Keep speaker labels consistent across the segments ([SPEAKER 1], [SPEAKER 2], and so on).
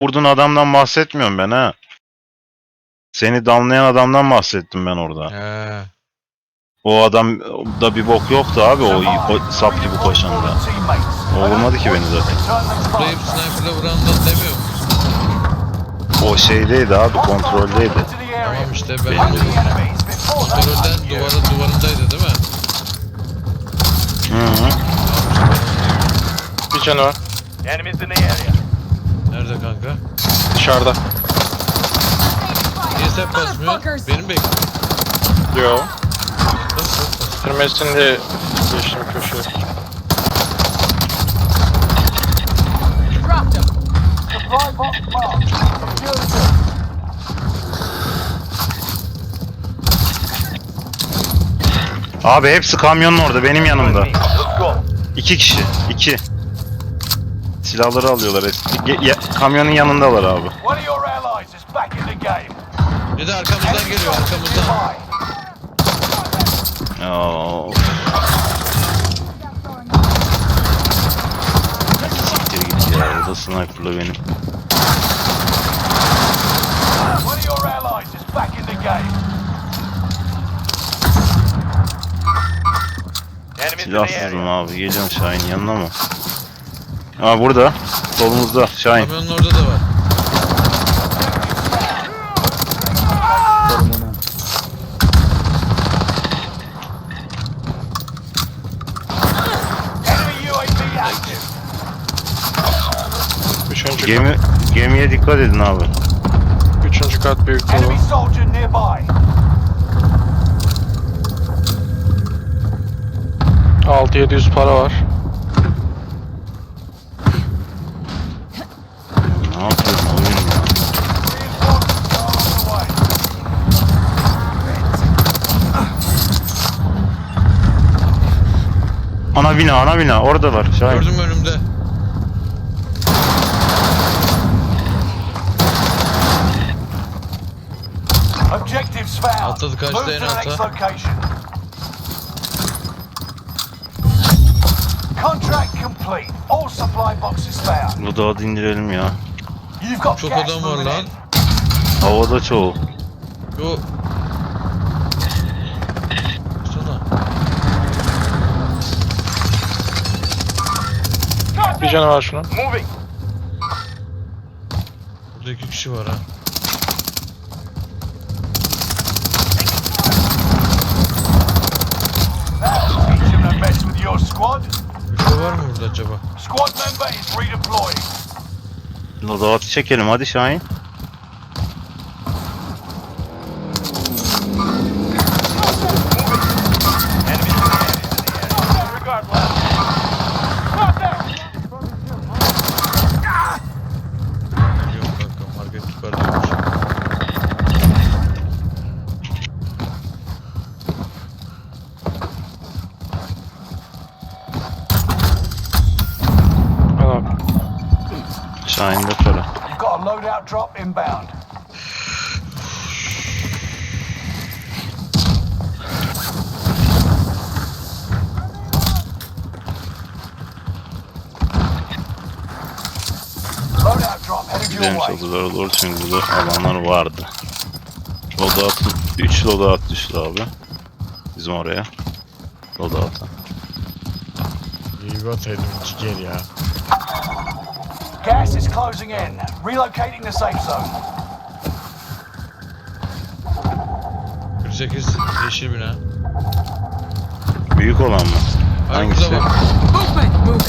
[SPEAKER 1] Vurduğun adamdan bahsetmiyorum ben ha. Seni damlayan adamdan bahsettim ben orada.
[SPEAKER 2] He.
[SPEAKER 1] O adam da bir bok yoktu abi o sap gibi koşanda. O vurmadı ki beni zaten.
[SPEAKER 2] Zıplayıp sniper'la vurandan demiyor musun?
[SPEAKER 1] O şeydeydi abi, kontroldeydi.
[SPEAKER 2] Tamam işte ben de kontrolden duvarındaydı değil mi?
[SPEAKER 1] Hı.
[SPEAKER 3] Bir canı var.
[SPEAKER 2] Nerede kanka?
[SPEAKER 3] Dışarıda.
[SPEAKER 2] Niye sen basmıyorsun? Benim bekliyorum.
[SPEAKER 3] Yo.
[SPEAKER 2] Bas.
[SPEAKER 3] Bitirmesini de geçtim köşeye.
[SPEAKER 4] Dropped him. Supply box marked. Security.
[SPEAKER 1] Abi hepsi kamyonun orada, benim yanımda. 2 kişi, 2. Silahları alıyorlar. Kamyonun yanındalar abi.
[SPEAKER 4] One of your allies is back in the game.
[SPEAKER 2] Bir de arkamızdan geliyor arkamızdan.
[SPEAKER 1] Ya. Siktir git ya, o da sniper'la benim.
[SPEAKER 4] One of your allies is back in the game.
[SPEAKER 1] Silahsızım abi, geliyorum Şahin yanına mı? Aa burada, solumuzda Şahin.
[SPEAKER 2] Kamyonun orada da var.
[SPEAKER 4] Enemy UAV active.
[SPEAKER 3] Üçüncü kat.
[SPEAKER 1] Gemiye dikkat edin abi.
[SPEAKER 3] Üçüncü kat büyük dolu.
[SPEAKER 4] Enemy soldier nearby.
[SPEAKER 3] 6-700 para var.
[SPEAKER 1] Ne yapıyorsun oyun ya?
[SPEAKER 4] Reinforcements are on the way.
[SPEAKER 1] Ana bina oradalar Şahin.
[SPEAKER 2] Gördüm önümde.
[SPEAKER 4] Objectives found.
[SPEAKER 2] Atladı, kaçtı
[SPEAKER 4] Move
[SPEAKER 2] en
[SPEAKER 4] to the next
[SPEAKER 2] alta.
[SPEAKER 4] location. Contract complete. All supply boxes found.
[SPEAKER 1] Bu dağı da indirelim ya.
[SPEAKER 4] You've got
[SPEAKER 2] Çok
[SPEAKER 4] gas
[SPEAKER 2] adam var
[SPEAKER 4] moving
[SPEAKER 2] lan.
[SPEAKER 4] in.
[SPEAKER 1] Havada çoğu.
[SPEAKER 2] Yo. Sana.
[SPEAKER 3] Bir canı var şunun.
[SPEAKER 4] Moving.
[SPEAKER 2] Burada 2 kişi var ha.
[SPEAKER 4] Teach him to mess with your squad.
[SPEAKER 2] Ufo var mı burada acaba?
[SPEAKER 4] Squad member is redeploying.
[SPEAKER 1] Loadout'u çekelim hadi Şahin.
[SPEAKER 2] Yok kanka market yukarıdaymış.
[SPEAKER 3] Al abi.
[SPEAKER 1] Şahin'de para.
[SPEAKER 4] You've got a loadout drop inbound. Loadout drop headed your
[SPEAKER 1] Gidelim
[SPEAKER 4] way.
[SPEAKER 1] çatılara doğru çünkü burada alanlar vardı. Loadout'un 3 loadout düştü abi. Bizim oraya. Loadout'a.
[SPEAKER 2] İyi bataydım ciğer ya.
[SPEAKER 4] Gas is closing in. Relocating the safe zone.
[SPEAKER 2] 48 yeşil bina.
[SPEAKER 1] Büyük olan mı?
[SPEAKER 2] Hayır
[SPEAKER 1] Hangisi?
[SPEAKER 2] burada bak.
[SPEAKER 5] Movement! Movement!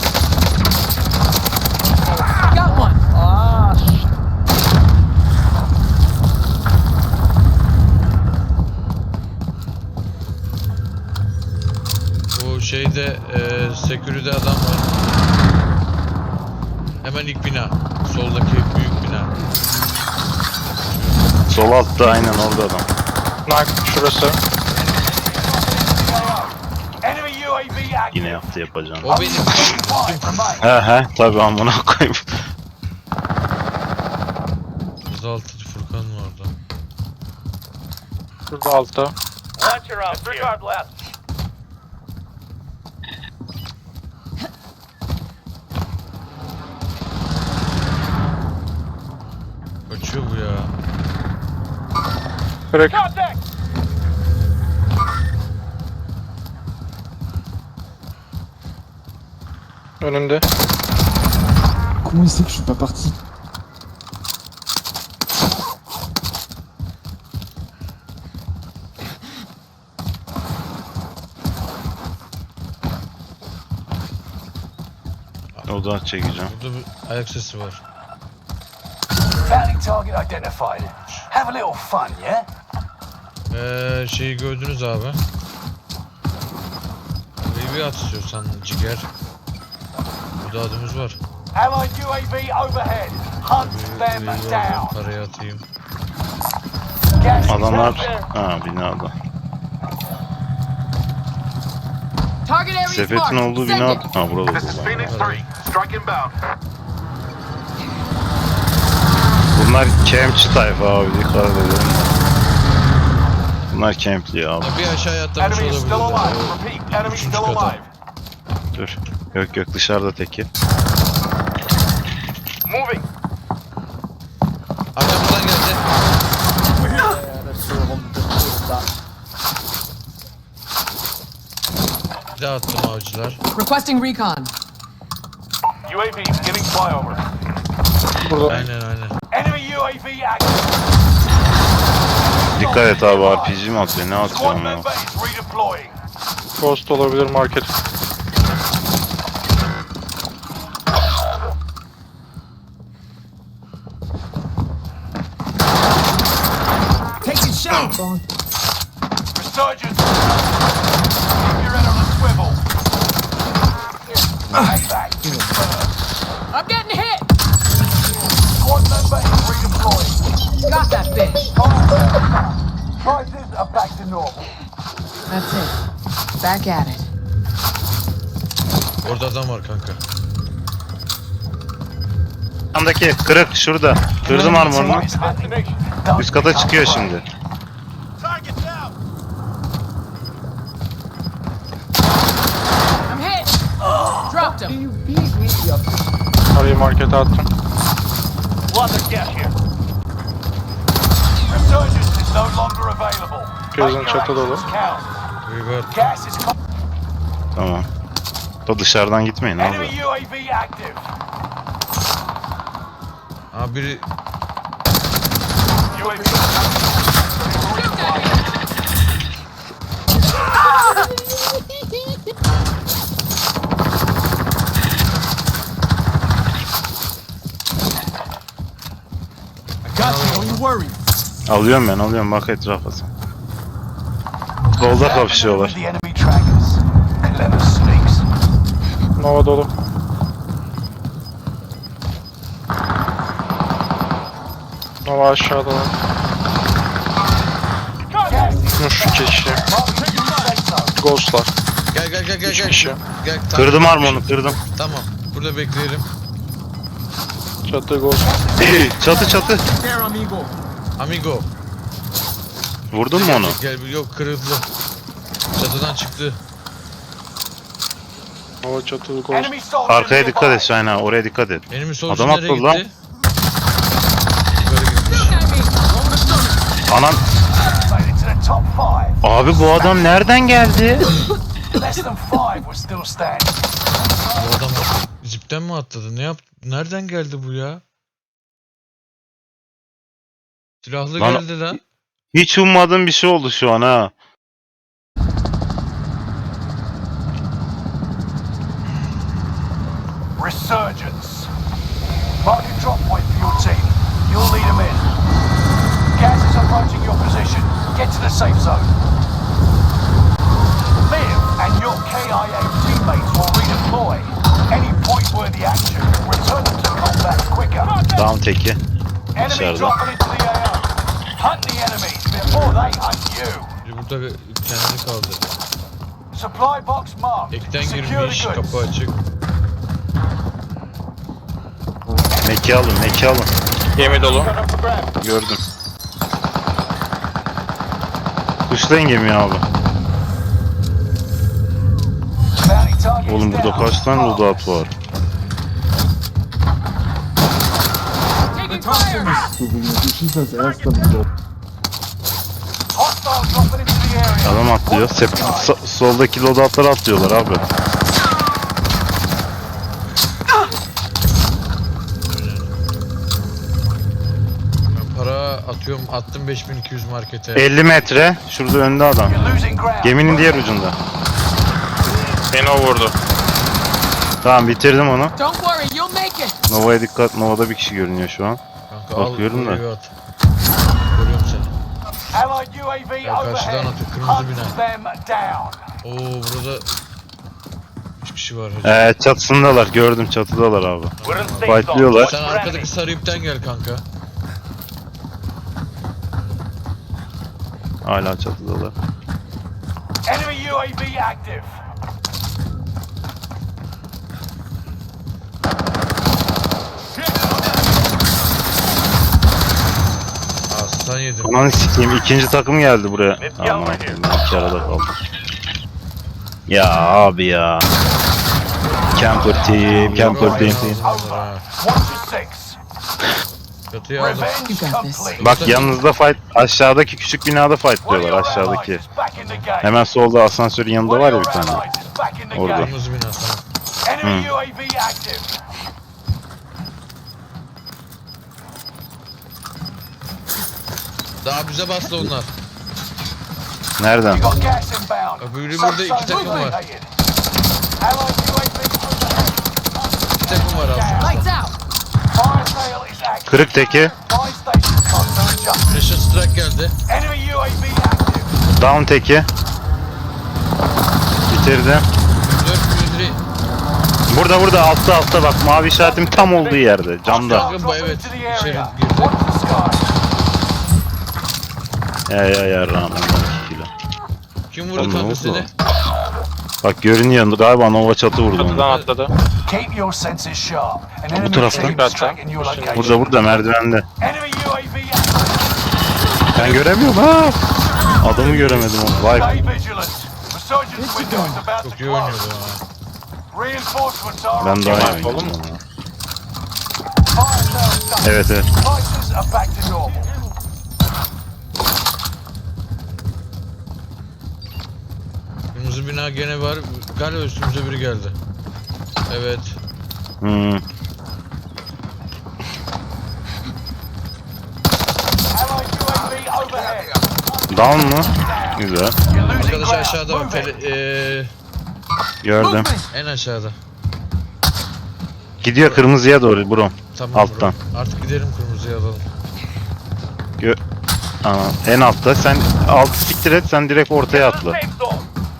[SPEAKER 5] Got one! Ah,
[SPEAKER 2] Bu şeyde security'de adam var. Hemen ilk bina. Soldaki büyük bina.
[SPEAKER 1] Sol altta aynen orada adam.
[SPEAKER 3] Nak şurası.
[SPEAKER 4] Enemy UAV active.
[SPEAKER 1] Yine yaptı yapacağım.
[SPEAKER 2] O benim.
[SPEAKER 4] 5 remain.
[SPEAKER 1] He tabi amına koyayım.
[SPEAKER 2] 36. Furkan var orada.
[SPEAKER 3] Şurada altta.
[SPEAKER 4] Disregard left.
[SPEAKER 3] Crack.
[SPEAKER 4] Contact!
[SPEAKER 3] Önünde.
[SPEAKER 6] Comment il sait que je suis pas parti?
[SPEAKER 1] Oda çekeceğim.
[SPEAKER 2] Burada bir ayak sesi var.
[SPEAKER 4] Bounty target identified. Have a little fun, yeah?
[SPEAKER 2] Şeyi gördünüz abi. Burayı bir at istiyorsan ciger. Burada adımız var.
[SPEAKER 4] Allied UAV overhead. Hunt them
[SPEAKER 2] Burayı
[SPEAKER 4] down.
[SPEAKER 2] parayı atayım.
[SPEAKER 4] Gas is
[SPEAKER 1] Adamlar
[SPEAKER 4] out there.
[SPEAKER 1] binada.
[SPEAKER 5] Target area is
[SPEAKER 1] Sepetin
[SPEAKER 5] marked.
[SPEAKER 1] olduğu
[SPEAKER 5] Send
[SPEAKER 1] bina.
[SPEAKER 5] it.
[SPEAKER 1] Burada.
[SPEAKER 4] This is Phoenix 3. Strike inbound.
[SPEAKER 1] Bunlar campçi tayfa abi, dikkat edelim. Bunlar campli abi.
[SPEAKER 2] Ya bir aşağıya atlamış
[SPEAKER 4] Enemy is still alive.
[SPEAKER 2] olabilirler.
[SPEAKER 4] Repeat, enemy
[SPEAKER 2] Üçüncü
[SPEAKER 4] still
[SPEAKER 2] kata.
[SPEAKER 4] alive.
[SPEAKER 1] Dur. Yok dışarıda teki.
[SPEAKER 4] Moving.
[SPEAKER 2] Arkamızdan geldi. Bir daha attım avcılar.
[SPEAKER 5] Requesting recon.
[SPEAKER 4] UAV giving flyover.
[SPEAKER 3] Burada.
[SPEAKER 2] Aynen.
[SPEAKER 4] Enemy UAV active.
[SPEAKER 1] Dikkat et abi, RPG mi atıyor, ne atıyor
[SPEAKER 4] Squad
[SPEAKER 1] ama.
[SPEAKER 4] member is redeploying.
[SPEAKER 3] Ghost olabilir market.
[SPEAKER 5] Taking shots.
[SPEAKER 4] Resurgence. Keep your head on a swivel. Payback.
[SPEAKER 5] I'm getting hit.
[SPEAKER 4] Squad member is redeploying.
[SPEAKER 5] Got that bitch.
[SPEAKER 4] Prices are back to normal.
[SPEAKER 5] That's it. Back at it.
[SPEAKER 2] Orada adam var kanka.
[SPEAKER 1] Yandaki kırık şurada. Kırdım armorunu.
[SPEAKER 4] It's destination.
[SPEAKER 1] Üst kata çıkıyor şimdi.
[SPEAKER 4] Target down.
[SPEAKER 5] I'm hit. Dropped him.
[SPEAKER 3] Parayı markete attım.
[SPEAKER 4] Lots of gas here. Resurgence is no longer available.
[SPEAKER 3] Gözün
[SPEAKER 4] Make your
[SPEAKER 3] çatı dolu.
[SPEAKER 4] actions count.
[SPEAKER 2] River.
[SPEAKER 4] Gas is
[SPEAKER 1] Tamam. Da dışarıdan gitmeyin abi.
[SPEAKER 4] enemy UAV active.
[SPEAKER 2] Aa biri
[SPEAKER 4] UAV.
[SPEAKER 1] Alıyorum ben, bak etrafa sen. Solda kapışıyorlar.
[SPEAKER 4] The enemy trackers. Clever sneaks.
[SPEAKER 3] Nova dolu. Nova aşağıda var.
[SPEAKER 4] Gas is
[SPEAKER 3] Üç kişi.
[SPEAKER 4] marking the safe zone.
[SPEAKER 3] Ghostlar.
[SPEAKER 2] gel
[SPEAKER 3] Üç kişi.
[SPEAKER 2] Gel tamam.
[SPEAKER 1] Kırdım armorunu, kırdım.
[SPEAKER 2] Tamam. Burada bekleyelim.
[SPEAKER 3] Çatı ghost.
[SPEAKER 1] Çatı.
[SPEAKER 2] Amigo.
[SPEAKER 1] Vurdun mu onu?
[SPEAKER 2] Gel yok kırıldı. Çatıdan çıktı.
[SPEAKER 3] Nova çatı ghost.
[SPEAKER 4] Enemy soldier
[SPEAKER 1] Arkaya dikkat
[SPEAKER 4] nearby.
[SPEAKER 1] et Şahin ha, oraya dikkat et.
[SPEAKER 2] Benim solcu
[SPEAKER 1] Adam
[SPEAKER 2] nereye
[SPEAKER 1] atladı lan.
[SPEAKER 2] gitti? Böyle gitmiş.
[SPEAKER 1] Anam.
[SPEAKER 4] Made it to the top 5.
[SPEAKER 1] Abi bu adam nereden geldi?
[SPEAKER 4] Less than 5 were still standing.
[SPEAKER 2] Bu adam zipten mi atladı? Ne yaptı? Nereden geldi bu ya? Silahlı
[SPEAKER 1] Lan-
[SPEAKER 2] geldi lan.
[SPEAKER 1] Hiç ummadığım bir şey oldu şu an ha.
[SPEAKER 4] Resurgence. Mark a drop point for your team. You'll lead them in. Gas is approaching your position. Get to the safe zone. Liv and your KIA teammates will redeploy. Any point-worthy action will return them to combat quicker.
[SPEAKER 1] Down teki.
[SPEAKER 4] Enemy
[SPEAKER 1] Dışarıda.
[SPEAKER 4] dropping into the AO. Hunt the enemies before they hunt you.
[SPEAKER 2] Biri burada kendini kaldı.
[SPEAKER 4] Supply box marked.
[SPEAKER 2] Ekten
[SPEAKER 4] Secure
[SPEAKER 2] girmiş,
[SPEAKER 4] the goods.
[SPEAKER 2] kapı açık.
[SPEAKER 1] Meki alın.
[SPEAKER 3] Gemi dolu.
[SPEAKER 1] Gördüm. Kuşlayın gemiyi abi.
[SPEAKER 4] Bounty target is
[SPEAKER 1] Oğlum burada
[SPEAKER 4] down.
[SPEAKER 1] kaç tane loadout var?
[SPEAKER 5] Taking fire.
[SPEAKER 6] Si vous réfléchissez, ça reste comme ça.
[SPEAKER 4] area.
[SPEAKER 1] Adam atlıyor. Soldaki loadout'lara atlıyorlar abi.
[SPEAKER 2] Ben para atıyorum. Attım 5200 markete.
[SPEAKER 1] 50 metre. Şurada önde adam.
[SPEAKER 4] You're losing ground.
[SPEAKER 1] Geminin diğer ucunda.
[SPEAKER 3] Beni o vurdu.
[SPEAKER 1] Tamam bitirdim onu.
[SPEAKER 5] Don't worry, you'll make it.
[SPEAKER 1] Nova'ya dikkat. Nova'da bir kişi görünüyor şu an.
[SPEAKER 2] Kanka
[SPEAKER 1] Bakıyorum da.
[SPEAKER 2] oraya at. Görüyorum seni.
[SPEAKER 4] Allied UAV
[SPEAKER 2] Ya karşıdan
[SPEAKER 4] overhead.
[SPEAKER 2] atıyor, kırmızı
[SPEAKER 4] Hunt
[SPEAKER 2] bina.
[SPEAKER 4] them down.
[SPEAKER 2] Oo burada 3 kişi var hacı.
[SPEAKER 1] Çatısındalar. Gördüm çatıdalar abi.
[SPEAKER 4] We're in safe zone.
[SPEAKER 1] Fightlıyorlar.
[SPEAKER 2] Sen arkadaki sarı ipten gel kanka.
[SPEAKER 1] Hala çatıdalar.
[SPEAKER 4] Enemy UAV active.
[SPEAKER 2] Aslan yedim.
[SPEAKER 1] Ananı sikeyim. İkinci takım geldi buraya. Aman Allah'ım. İki arada kaldım. Ya abi ya. Camper team. Camper team.
[SPEAKER 2] Ha.
[SPEAKER 4] 1 to 6.
[SPEAKER 2] Çatıyı aldım.
[SPEAKER 4] Revenge
[SPEAKER 5] You got this.
[SPEAKER 4] complete.
[SPEAKER 1] Bak yanınızda fight. Aşağıdaki küçük binada fightlıyorlar. Aşağıdaki. Hemen solda asansörün yanında var ya bir tane. Orada.
[SPEAKER 2] Kırmızı bina tamam.
[SPEAKER 4] Enemy UAV active.
[SPEAKER 2] Daha bize bastı onlar.
[SPEAKER 1] Nereden?
[SPEAKER 4] You got gas inbound.
[SPEAKER 2] Öbürü burada iki takım var.
[SPEAKER 4] Allied UAV overhead.
[SPEAKER 2] Bir takım var altımızda.
[SPEAKER 5] Lights out.
[SPEAKER 4] Fire sale is active.
[SPEAKER 1] Kırık teki.
[SPEAKER 4] Fire station costs are adjusted.
[SPEAKER 2] Pressure strike geldi.
[SPEAKER 4] Enemy UAV active.
[SPEAKER 1] Down teki. Bitirdim.
[SPEAKER 2] 4 milyon.
[SPEAKER 1] Burada altta bak mavi işaretim tam olduğu yerde camda.
[SPEAKER 2] Bakın bu evet içeri girdi.
[SPEAKER 4] Watch the sky.
[SPEAKER 1] Ya rağmen 2 kilo.
[SPEAKER 2] Kim vurdu
[SPEAKER 1] Oğlum, ne
[SPEAKER 2] kanka
[SPEAKER 1] oldu?
[SPEAKER 2] seni?
[SPEAKER 1] Bak görünüyor galiba Nova çatı vurdu
[SPEAKER 3] Çatıdan
[SPEAKER 1] onu.
[SPEAKER 3] atladı.
[SPEAKER 4] Keep your senses sharp. An enemy
[SPEAKER 1] tarafta.
[SPEAKER 4] team is tracking your location.
[SPEAKER 1] Burada merdivende.
[SPEAKER 4] Enemy UAV active.
[SPEAKER 1] Ben göremiyorum ha. Adamı göremedim onu. Vay.
[SPEAKER 4] Stay vigilant. Resurgence window is about to
[SPEAKER 2] Çok iyi oynuyordu
[SPEAKER 4] close.
[SPEAKER 2] ha.
[SPEAKER 4] Reinforcements are
[SPEAKER 1] Ben
[SPEAKER 4] on
[SPEAKER 1] daha
[SPEAKER 4] the
[SPEAKER 1] iyi
[SPEAKER 4] way.
[SPEAKER 1] oynadım.
[SPEAKER 4] Fire sales done.
[SPEAKER 1] Evet.
[SPEAKER 4] Prices are back to normal.
[SPEAKER 2] Kırmızı bina gene var. Galiba üstümüze biri geldi. Evet.
[SPEAKER 1] Hmm.
[SPEAKER 4] Allied UAV overhead.
[SPEAKER 1] Down mu? Güzel.
[SPEAKER 4] You're losing
[SPEAKER 2] Arkadaş
[SPEAKER 4] ground.
[SPEAKER 2] aşağıda bak.
[SPEAKER 4] Move it.
[SPEAKER 1] Gördüm.
[SPEAKER 2] En aşağıda.
[SPEAKER 1] Gidiyor kırmızıya doğru bro.
[SPEAKER 2] Tamam
[SPEAKER 1] Alttan.
[SPEAKER 2] bro. Artık gidelim kırmızıya alalım.
[SPEAKER 1] En altta. Sen altı siktir et sen direkt ortaya atla.
[SPEAKER 4] Safe zone.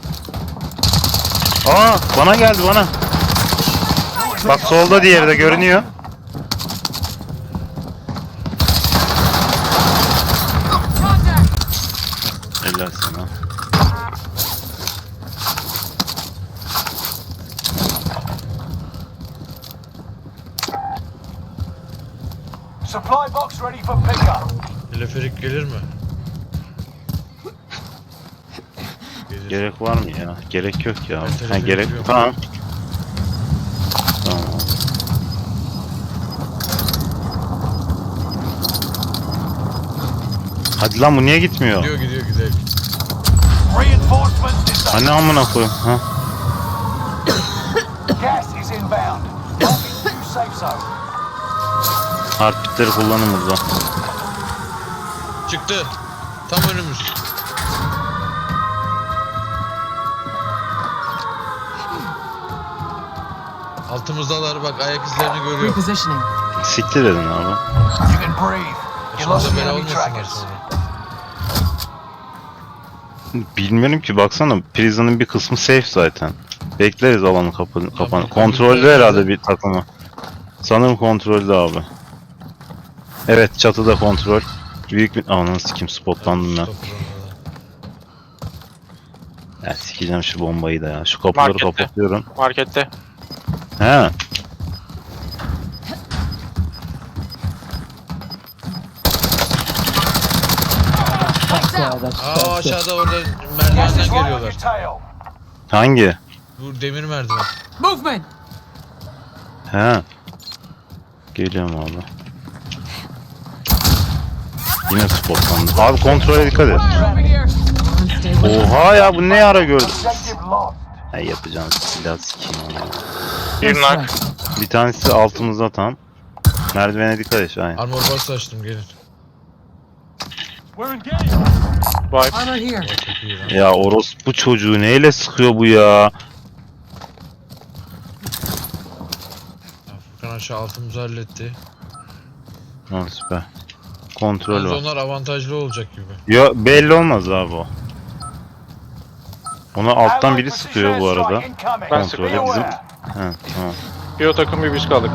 [SPEAKER 1] Bana geldi bana. Bak solda diğeri de görünüyor. Helal sana.
[SPEAKER 4] Supply box ready for pickup.
[SPEAKER 2] Teleferik gelir mi? Gelir.
[SPEAKER 1] Gerek var mı ya? Gerek yok ya.
[SPEAKER 2] Ben
[SPEAKER 1] Ha, gerek
[SPEAKER 2] yok.
[SPEAKER 1] tamam. Tamam. Hadi lan bu niye gitmiyor?
[SPEAKER 2] Gidiyor gidelim.
[SPEAKER 4] Reinforcements is
[SPEAKER 1] Hani amına koyayım. Ha?
[SPEAKER 4] gas is inbound. Marking new safe zone.
[SPEAKER 1] Heartbeat'leri kullanın burada.
[SPEAKER 2] Çıktı. Tam önümüz. Altımızdalar bak ayak izlerini görüyorum.
[SPEAKER 5] Repositioning.
[SPEAKER 1] Siktir edin abi.
[SPEAKER 4] You can breathe. You lost
[SPEAKER 2] Başımıza
[SPEAKER 4] the
[SPEAKER 2] bela
[SPEAKER 4] enemy
[SPEAKER 2] olmasınlar
[SPEAKER 4] trackers.
[SPEAKER 2] sonra.
[SPEAKER 1] Bilmiyorum ki baksana prison'ın bir kısmı safe zaten. Bekleriz alanı kapan.
[SPEAKER 2] Tamam,
[SPEAKER 1] Kontrollü
[SPEAKER 2] tamam.
[SPEAKER 1] herhalde bir takımı. Sanırım kontrollü abi. Evet çatıda kontrol. Büyük bir... Ananı sikim spotlandım ben.
[SPEAKER 2] Stop buralarda.
[SPEAKER 1] Ya sikeceğim şu bombayı da ya. Şu kapıları
[SPEAKER 3] Markette.
[SPEAKER 1] kapatıyorum.
[SPEAKER 3] Markette.
[SPEAKER 1] He.
[SPEAKER 5] Lights out.
[SPEAKER 2] Aa aşağıda orada
[SPEAKER 4] Gas
[SPEAKER 2] merdivenden
[SPEAKER 4] is right on your
[SPEAKER 2] geliyorlar.
[SPEAKER 4] tail.
[SPEAKER 1] Hangi?
[SPEAKER 2] Bu demir merdiven.
[SPEAKER 5] Movement.
[SPEAKER 1] He. Geliyorum abi. Yine spotlandı. Abi kontrole dikkat et.
[SPEAKER 5] Over here. Stay with me.
[SPEAKER 1] Oha ya bu ne ara gördüm.
[SPEAKER 4] Objective lost.
[SPEAKER 1] Hey yapacağım silah sikeyim ya.
[SPEAKER 3] Bir
[SPEAKER 5] That's
[SPEAKER 3] nak.
[SPEAKER 5] right.
[SPEAKER 1] Bir tanesi altımızda tam. Merdivene dikkat et Şahin.
[SPEAKER 2] Armor box açtım gelin.
[SPEAKER 3] Wipe.
[SPEAKER 5] Armor here.
[SPEAKER 2] Aa, çok iyi lan.
[SPEAKER 1] Ya orospu çocuğu neyle sıkıyor bu ya?
[SPEAKER 2] Ya Furkan aşağı altımızı halletti.
[SPEAKER 1] Ha süper. Kontrol
[SPEAKER 2] Yalnız
[SPEAKER 1] var.
[SPEAKER 2] onlar avantajlı olacak gibi.
[SPEAKER 1] Yo belli olmaz abi o. Ona alttan biri sıkıyor bu arada.
[SPEAKER 3] Ben
[SPEAKER 1] Kontrolü
[SPEAKER 3] sıkıyorum.
[SPEAKER 1] bizim. He tamam.
[SPEAKER 3] Bir o takım bir biz kaldık.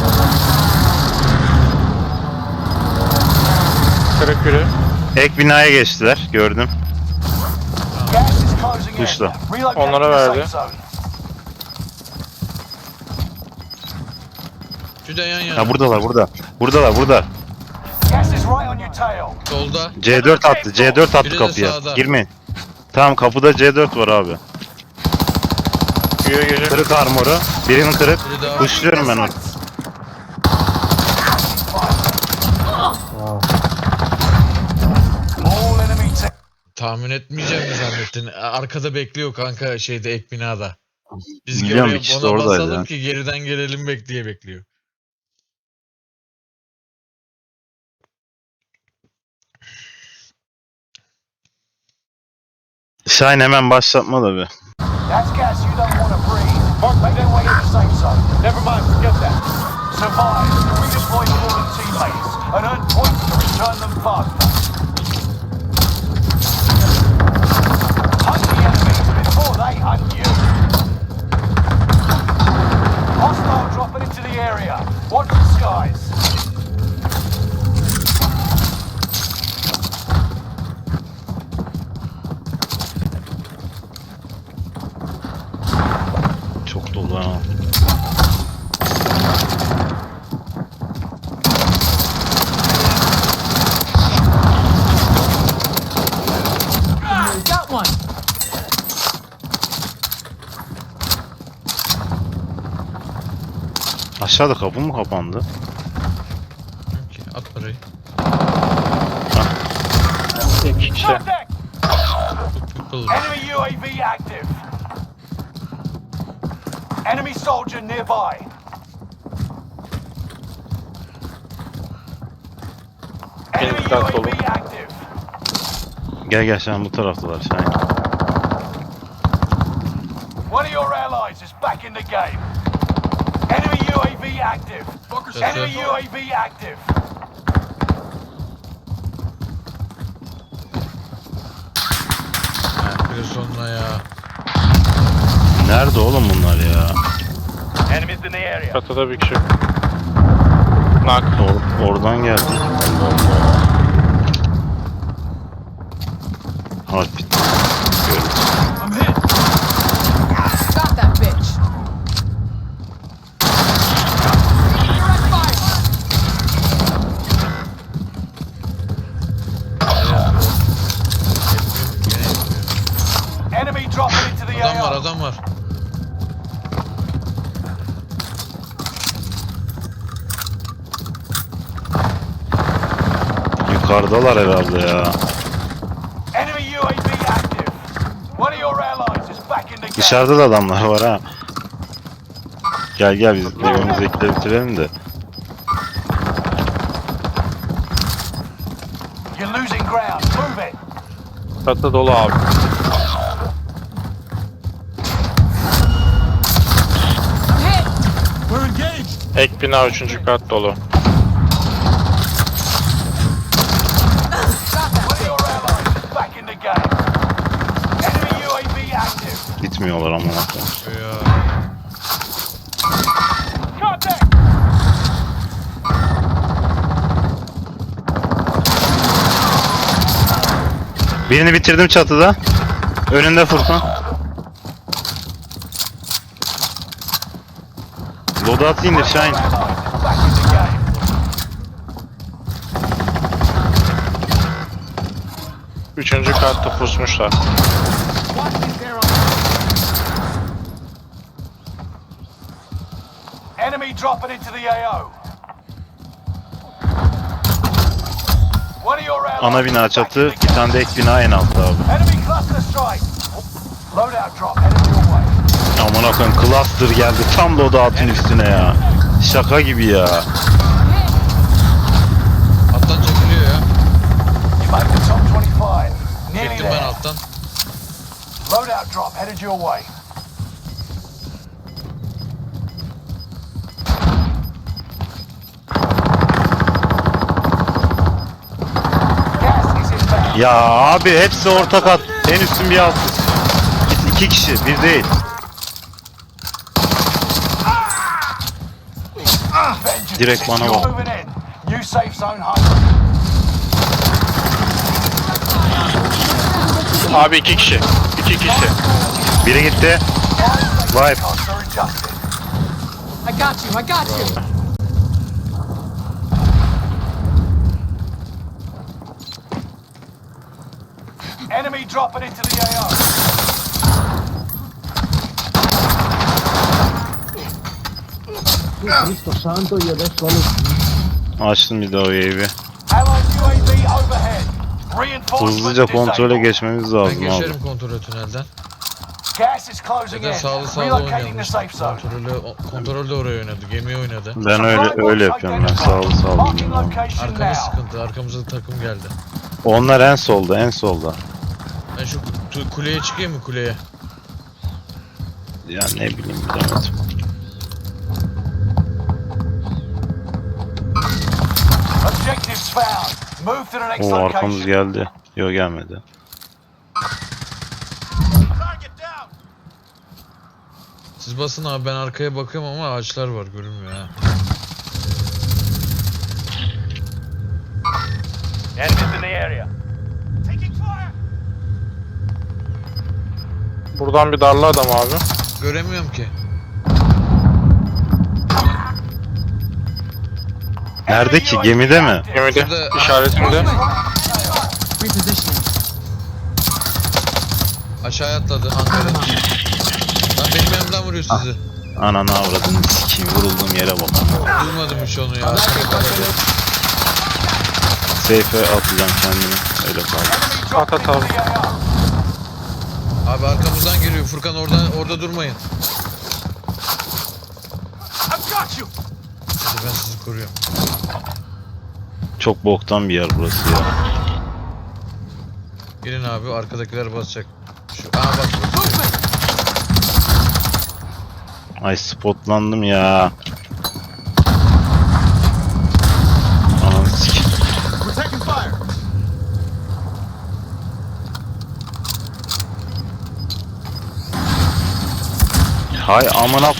[SPEAKER 3] Kırık biri.
[SPEAKER 1] Ek binaya geçtiler gördüm.
[SPEAKER 4] Gas is closing in.
[SPEAKER 1] Dışla.
[SPEAKER 4] Relocating
[SPEAKER 3] Onlara
[SPEAKER 4] the
[SPEAKER 3] verdi.
[SPEAKER 4] safe zone.
[SPEAKER 2] Şu da yan yana.
[SPEAKER 1] Ha buradalar burada. Burada.
[SPEAKER 4] Gas is right on your tail.
[SPEAKER 2] Solda.
[SPEAKER 1] C4 attı. C4 attı
[SPEAKER 2] Biri de
[SPEAKER 1] kapıya.
[SPEAKER 2] sağda.
[SPEAKER 1] Girmeyin. Tamam kapıda C4 var abi.
[SPEAKER 3] Güye gece.
[SPEAKER 1] Kırık armoru. Birinin kırık.
[SPEAKER 2] Biri daha.
[SPEAKER 1] Kuşluyorum ben onu.
[SPEAKER 4] All enemy team.
[SPEAKER 2] Tahmin etmeyeceğimi zannettin. Arkada bekliyor kanka şeyde ek binada. Biz
[SPEAKER 1] Biliyorum,
[SPEAKER 2] oraya
[SPEAKER 1] ikisi de
[SPEAKER 2] ona
[SPEAKER 1] oradaydı
[SPEAKER 2] basalım
[SPEAKER 1] ya.
[SPEAKER 2] ki geriden gelelim diye bekliyor.
[SPEAKER 1] Şahin hemen başlatma da bir.
[SPEAKER 4] That's gas you don't want to breathe. Make your way to the safe zone. Never mind, forget that. Survive, redeploy fallen teammates, and earn points to return them faster. Hunt the enemies before they hunt you. Hostile dropping into the area. Watch the skies.
[SPEAKER 1] Çok dolu ha.
[SPEAKER 5] Got one.
[SPEAKER 1] Aşağıda kapı mı kapandı?
[SPEAKER 2] Ki at parayı.
[SPEAKER 3] İşte.
[SPEAKER 4] Contact!
[SPEAKER 2] People.
[SPEAKER 4] Enemy UAV active. Enemy soldier nearby. Enemy
[SPEAKER 3] dikkat olun.
[SPEAKER 4] UAV active.
[SPEAKER 1] Gel Şahin bu taraftalar Şahin.
[SPEAKER 4] One of your allies is back in the game. Enemy UAV active. Enemy UAV active.
[SPEAKER 2] Bir sonuna ya.
[SPEAKER 1] Nerede oğlum bunlar ya?
[SPEAKER 4] Enemies in the area.
[SPEAKER 3] Çatıda bir kişi. Nak.
[SPEAKER 1] Oradan geldi. Heartbeat.
[SPEAKER 4] I'm hit.
[SPEAKER 5] Got that bitch. Direct fire.
[SPEAKER 4] Enemy dropping into the
[SPEAKER 2] Adam var,
[SPEAKER 4] AO.
[SPEAKER 2] adam var.
[SPEAKER 1] Yukarıdalar herhalde ya.
[SPEAKER 4] Enemy UAV active. One of your allies is back in the game.
[SPEAKER 1] Dışarıda da adamlar var ha. Gel biz evimizdekileri bitirelim de.
[SPEAKER 4] You're losing ground. Move it.
[SPEAKER 3] Çatı dolu abi.
[SPEAKER 5] I'm hit.
[SPEAKER 4] We're engaged.
[SPEAKER 3] Ek bina 3. kat dolu.
[SPEAKER 5] Got that
[SPEAKER 4] One of
[SPEAKER 5] bitch.
[SPEAKER 4] your allies is back in the game. Enemy UAV active.
[SPEAKER 1] Gitmiyorlar amına koyayım.
[SPEAKER 2] Ya.
[SPEAKER 4] Contact.
[SPEAKER 1] Birini bitirdim çatıda. Önünde Furkan. Loadout indir Şahin.
[SPEAKER 4] Allies is back in the game.
[SPEAKER 3] Üçüncü katta pusmuşlar.
[SPEAKER 4] Enemy dropping into the AO. One of your
[SPEAKER 1] Ana bina çatı, bir tane de ek bina en altta abi.
[SPEAKER 4] Enemy cluster strike. Loadout drop headed your way.
[SPEAKER 1] Aman akın cluster geldi tam da o dağıtın üstüne ya. Şaka gibi ya.
[SPEAKER 2] Attan çekiliyor ya.
[SPEAKER 4] You make the top 25. Nearly
[SPEAKER 2] Çektim ben
[SPEAKER 4] there.
[SPEAKER 2] alttan.
[SPEAKER 4] Loadout drop headed your way. Gas is inbound.
[SPEAKER 1] Ya abi hepsi orta kat. En üstün bir alt. İki kişi, bir değil.
[SPEAKER 4] Vengeance
[SPEAKER 1] Direkt
[SPEAKER 4] is
[SPEAKER 1] bana
[SPEAKER 4] you're
[SPEAKER 1] bak.
[SPEAKER 4] moving in. New safe zone home.
[SPEAKER 3] Abi 2 kişi. 2 kişi.
[SPEAKER 1] Biri gitti. Vibe.
[SPEAKER 4] Costs are adjusted.
[SPEAKER 5] I got you. I got you.
[SPEAKER 4] Enemy dropping into the AO.
[SPEAKER 1] Açtım bir daha o UAV.
[SPEAKER 4] Allied UAV overhead. Reinforcements
[SPEAKER 1] Hızlıca kontrole
[SPEAKER 4] disabled.
[SPEAKER 1] geçmemiz
[SPEAKER 2] Ben
[SPEAKER 1] lazım abi.
[SPEAKER 2] geçerim kontrolü tünelden.
[SPEAKER 4] Gas is closing
[SPEAKER 2] Zaten
[SPEAKER 4] in.
[SPEAKER 2] sağlı sağlı
[SPEAKER 4] Relocating the
[SPEAKER 2] oynayalım.
[SPEAKER 4] safe zone.
[SPEAKER 2] Kontrolde oraya oynadı. Gemiye oynadı.
[SPEAKER 1] Ben öyle yapıyorum ben sağlı sağlı.
[SPEAKER 4] Marking
[SPEAKER 1] oynuyorum.
[SPEAKER 4] location
[SPEAKER 2] Arkamız
[SPEAKER 4] now.
[SPEAKER 2] sıkıntı. Arkamızda takım geldi.
[SPEAKER 1] Onlar en solda en solda.
[SPEAKER 2] Ben şu kuleye çıkayım mı kuleye?
[SPEAKER 1] Ya ne bileyim bilemedim.
[SPEAKER 4] Objectives found. Move to the next
[SPEAKER 1] O arkamız
[SPEAKER 4] location.
[SPEAKER 1] geldi. Yok gelmedi.
[SPEAKER 4] Target down.
[SPEAKER 2] Siz basın abi, ben arkaya bakıyorum ama ağaçlar var, görünmüyor ha.
[SPEAKER 4] Enemies in the area. Taking fire.
[SPEAKER 3] Buradan bir darlı adam abi.
[SPEAKER 2] Göremiyorum ki.
[SPEAKER 1] Nerede ki? Gemide mi?
[SPEAKER 3] Gemide.
[SPEAKER 2] Şurada-
[SPEAKER 3] İşaretimde.
[SPEAKER 5] Repositioning.
[SPEAKER 2] Aşağıya atladı Ankara. Lan benim yanımdan vuruyor sizi.
[SPEAKER 1] Ananı avradını sikeyim. Vurulduğum yere bak.
[SPEAKER 2] Duymadım hiç onu ya. Arkada kaldı.
[SPEAKER 1] Safe'e atacağım kendimi. Öyle kaldı.
[SPEAKER 4] Enemy dropping
[SPEAKER 3] At, at,
[SPEAKER 4] into the AO.
[SPEAKER 2] Abi arkamızdan geliyor Furkan, orada durmayın.
[SPEAKER 4] I've got you.
[SPEAKER 2] Hadi ben sizi koruyorum.
[SPEAKER 1] Çok boktan bir yer burası ya.
[SPEAKER 2] Gelin abi, arkadakiler basacak. Bak.
[SPEAKER 5] Movement.
[SPEAKER 1] Ay spotlandım ya. Ananı sikeyim.
[SPEAKER 4] We're taking fire.
[SPEAKER 1] Hay amına.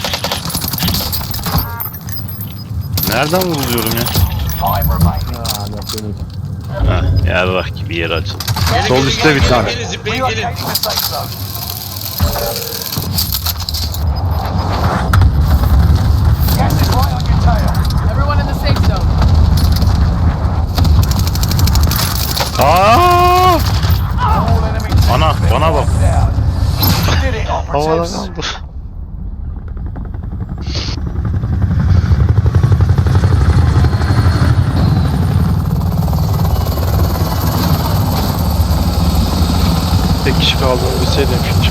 [SPEAKER 1] Nereden vuruluyorum ya?
[SPEAKER 4] Time remaining.
[SPEAKER 1] Heh, yarrak gibi yer açıldı.
[SPEAKER 2] Gelin,
[SPEAKER 1] Sol
[SPEAKER 2] gelin,
[SPEAKER 1] üstte
[SPEAKER 2] gelin,
[SPEAKER 1] bir tane.
[SPEAKER 2] Gelin zipleyin gelin.
[SPEAKER 4] Relocating the safe zone. Gas is right on your tail.
[SPEAKER 5] Everyone in the safe zone.
[SPEAKER 1] Aa!
[SPEAKER 4] All enemy teams
[SPEAKER 1] Ana,
[SPEAKER 4] been
[SPEAKER 1] bana bak.
[SPEAKER 4] wiped out. You did it,
[SPEAKER 1] Havadan
[SPEAKER 4] operatives.
[SPEAKER 1] aldı.
[SPEAKER 3] Tek kişi kaldığını bilseydim hiç.